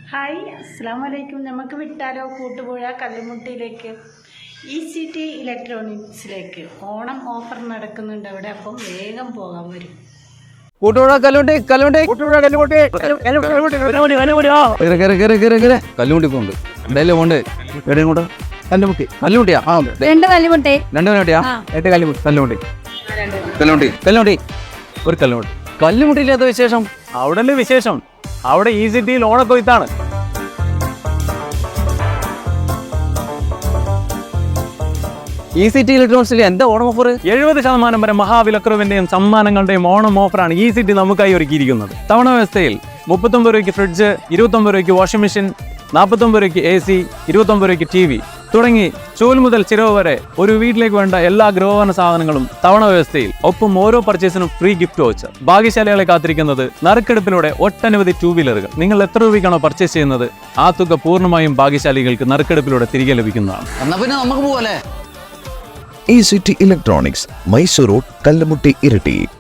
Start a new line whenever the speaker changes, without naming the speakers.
Hi അസ്സലാമു അലൈക്കും. നമുക്ക് വിട്ടാലോ കൂട്ടുപുഴ കല്ലുമുട്ടിയിലേക്ക് ECT ഇലക്ട്രോണിക്സിലേക്ക് ഓണം ഓഫർ നടക്കുന്നുണ്ട് അവിടെ. അപ്പം വേഗം പോകാൻ വരും.
കൂട്ടുപുഴ കല്ലുമുട്ടി കല്ലുമുട്ടി പോണ്ട് എന്തായാലും പോണ്ട് എവിടെയും കൊണ്ട് കല്ലുമുട്ടി കല്ലുമുട്ടിയാ
രണ്ട് കല്ലുമുട്ടി
ഒരു കല്ലുമുട്ടി കല്ലുമുട്ടിയില്ലാത്ത വിശേഷം
അവിടെ അല്ലേ വിശേഷം. അവിടെ ECT ഓണക്കൊയ്ത്താണ്.
ECT ഇലക്ട്രോണിക്സിൽ എന്താ ഓണം ഓഫർ?
70% വരെ മഹാവിലക്കുറവിന്റെയും സമ്മാനങ്ങളുടെയും ഓണം ഓഫറാണ് ECT നമുക്കായി ഒരുക്കിയിരിക്കുന്നത്. തവണ വ്യവസ്ഥയിൽ 39 രൂപയ്ക്ക് ഫ്രിഡ്ജ്, 29 രൂപയ്ക്ക് വാഷിംഗ് മെഷീൻ, 49 രൂപയ്ക്ക് AC, 29 രൂപയ്ക്ക് TV തുടങ്ങി ചൂൽ മുതൽ ചിരവ് വരെ ഒരു വീട്ടിലേക്ക് വേണ്ട എല്ലാ ഗൃഹോപകരണ സാധനങ്ങളും തവണ വ്യവസ്ഥയിൽ. ഒപ്പം ഓരോ പർച്ചേസിനും ഫ്രീ ഗിഫ്റ്റ് വൗച്ചർ. ഭാഗ്യശാലികളെ കാത്തിരിക്കുന്നത് നറുക്കെടുപ്പിലൂടെ ഒട്ടനവധി 2 വീലറുകൾ. നിങ്ങൾ എത്ര രൂപയ്ക്കാണോ പർച്ചേസ് ചെയ്യുന്നത് ആ തുക പൂർണ്ണമായും ഭാഗ്യശാലികൾക്ക് നറുക്കെടുപ്പിലൂടെ തിരികെ ലഭിക്കുന്നതാണ്.
എന്നാ പിന്നെ നമുക്ക് പോവല്ലേ?
ECT electronics, Mysore road, Kallumutti, Iritty.